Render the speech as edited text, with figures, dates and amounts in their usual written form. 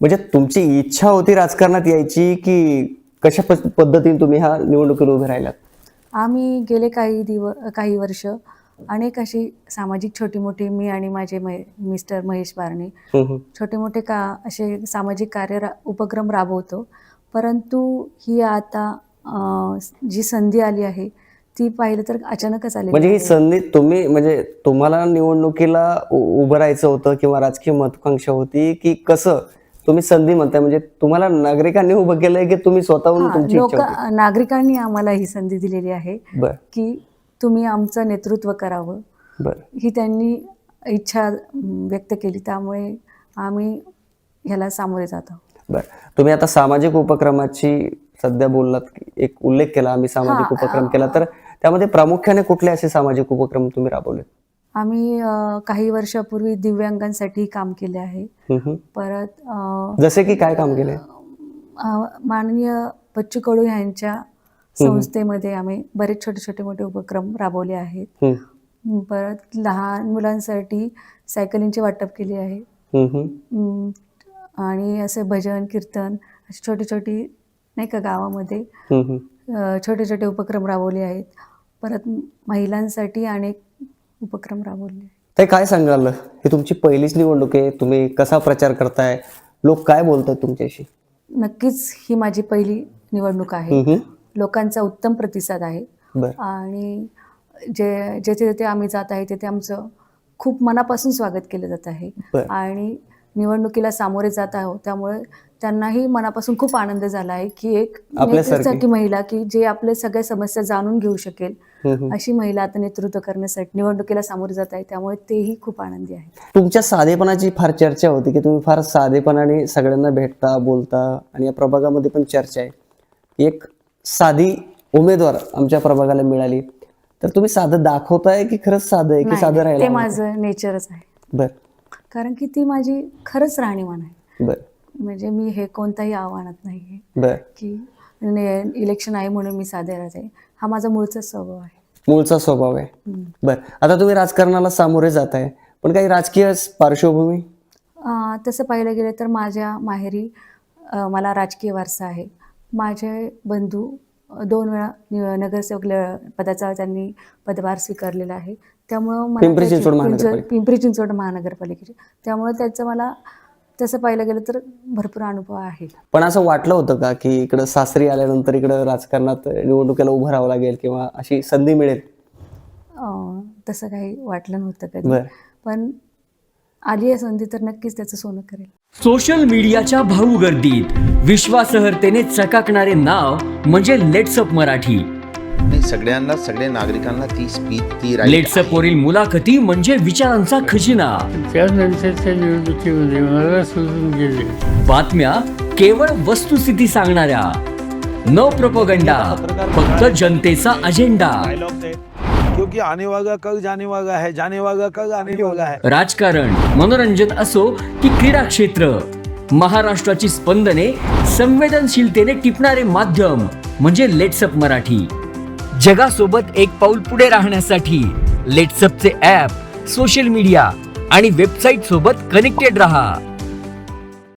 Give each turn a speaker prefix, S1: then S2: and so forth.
S1: म्हणजे तुमची इच्छा होती राजकारणात यायची की कशा पद्धतीने तुम्ही ह्या निवडणुकीला उभे राहिलात?
S2: आम्ही गेले काही वर्ष अनेक अशी सामाजिक छोटी मोठी मी आणि माझे मिस्टर महेश बारणे छोटे मोठे असे सामाजिक उपक्रम राबवतो. परंतु ही आता जी संधी आली आहे ती पाहिलं तर अचानकच आली.
S1: म्हणजे ही संधी तुम्ही म्हणजे तुम्हाला निवडणुकीला उभं राहायचं होतं किंवा राजकीय महत्वाकांक्षा होती की कसं तुम्ही संधी म्हणताय? म्हणजे तुम्हाला नागरिकांनी उभं केलंय की तुम्ही स्वतःहून तुमची इच्छा होती?
S2: नागरिकांनी आम्हाला ही संधी दिलेली आहे
S1: बर
S2: की तुम्ही आमचं नेतृत्व करावं.
S1: बर
S2: ही त्यांनी इच्छा व्यक्त केली, त्यामुळे आम्ही ह्याला सामोरे जातो.
S1: बर तुम्ही आता सामाजिक उपक्रमाची सध्या बोललात, एक उल्लेख केला, आम्ही सामाजिक उपक्रम केला, तर त्यामध्ये प्रामुख्याने कुठले असे सामाजिक उपक्रम तुम्ही राबवले?
S2: आम्ही काही वर्षापूर्वी दिव्यांगांसाठी काम केले आहे. परत
S1: जसे की काय काम केले?
S2: माननीय बच्चू कडू यांच्या संस्थेमध्ये आम्ही बरेच छोटे मोठे उपक्रम राबवले आहेत. परत लहान मुलांसाठी सायकलिंगचे वाटप केले आहे. आणि असे भजन कीर्तन अशी छोटी नाही का गावामध्ये छोटे उपक्रम राबवले आहेत. परत महिलांसाठी अनेक उपक्रम राबवले.
S1: ते काय सांगाल, ही तुमची पहिलीच निवडणूक आहे, तुम्ही कसा प्रचार करताय, लोक काय बोलतात तुमच्याशी?
S2: नक्कीच ही माझी पहिली निवडणूक आहे. लोकांचा उत्तम प्रतिसाद आहे आणि जेथे आम्ही जात आहे तिथे आमचं खूप मनापासून स्वागत केलं जात आहे आणि निवडणुकीला सामोरे जात आहोत, त्यामुळे त्यांनाही मनापासून खूप आनंद झाला आहे की एक नेतृत्वासाठी महिला की जे आपल्या सगळ्या समस्या जाणून घेऊ शकेल अशी महिला आता नेतृत्व करण्यासाठी निवडणुकीला सामोरे जात आहे, त्यामुळे तेही खूप आनंदी आहे.
S1: तुमच्या साधेपणाची फार चर्चा होती की तुम्ही फार साधेपणाने सगळ्यांना भेटता बोलता आणि या प्रभागामध्ये पण चर्चा आहे, एक साधी उमेदवार आमच्या प्रभागाला मिळाली, तर तुम्ही साधं दाखवताय की खरंच साधं आहे की साधं राहिलं?
S2: ते माझं नेचरच आहे.
S1: बर
S2: कारण की ती माझी खरंच राहणीमान आहे.
S1: बर
S2: म्हणजे मी हे कोणत्याही आव्हानात नाहीये
S1: बर
S2: की इलेक्शन आहे म्हणून मी साधे राहते. हा माझा मूळचा स्वभाव आहे.
S1: मूळचा स्वभाव आहे. बर आता तुम्ही राजकारणाला सामोरे जात आहे, पण काही राजकीय पार्श्वभूमी?
S2: तसं पाहिलं गेलं तर माझ्या माहेरी मला राजकीय वारसा आहे. माझे बंधू 2 वेळा नगरसेवक पदाचा त्यांनी पदभार स्वीकारलेला आहे. त्यामुळं पिंपरी चिंचवड महानगरपालिकेचे, त्यामुळे त्याचं मला तसं पाहिलं गेलं तर भरपूर अनुभव आहे.
S1: पण असं वाटलं होतं का की इकडं सासरी आल्यानंतर इकडं राजकारणात निवडणुकीला उभं राहावं लागेल किंवा अशी संधी मिळेल?
S2: तसं काही वाटलं नव्हतं कधी, पण आली आहे संधी तर नक्कीच त्याचं सोनं करेल.
S3: सोशल मीडियाच्या भाऊ गर्दीत विश्वासार्हतेने चकाकणारे नाव म्हणजे लेट्सअप मराठी.
S4: सगळ्या नागरिकांना ती स्पीच
S3: लेट्सअप वरील मुलाखती म्हणजे विचारांचा खजिना.
S5: त्यानंतरच्या निवडणुकीमध्ये मला सोडून गेले.
S3: बातम्या केवळ वस्तुस्थिती सांगणाऱ्या, न प्रोपगंडा, फक्त जनतेचा अजेंडा.
S6: क्योंकि आने वाला कल जाने वाला है, जाने वाला कल आने वाला है.
S3: राजकारण, मनोरंजन असो की क्रीडा क्षेत्र, महाराष्ट्राची स्पंदने संवेदनशीलतेने टिपणारे माध्यम म्हणजे लेट्सअप मराठी. जगासोबत एक पाऊल पुढे राहण्यासाठी लेट्सअपचे ॲप, सोशल मीडिया आणि वेबसाईट सोबत कनेक्टेड रहा.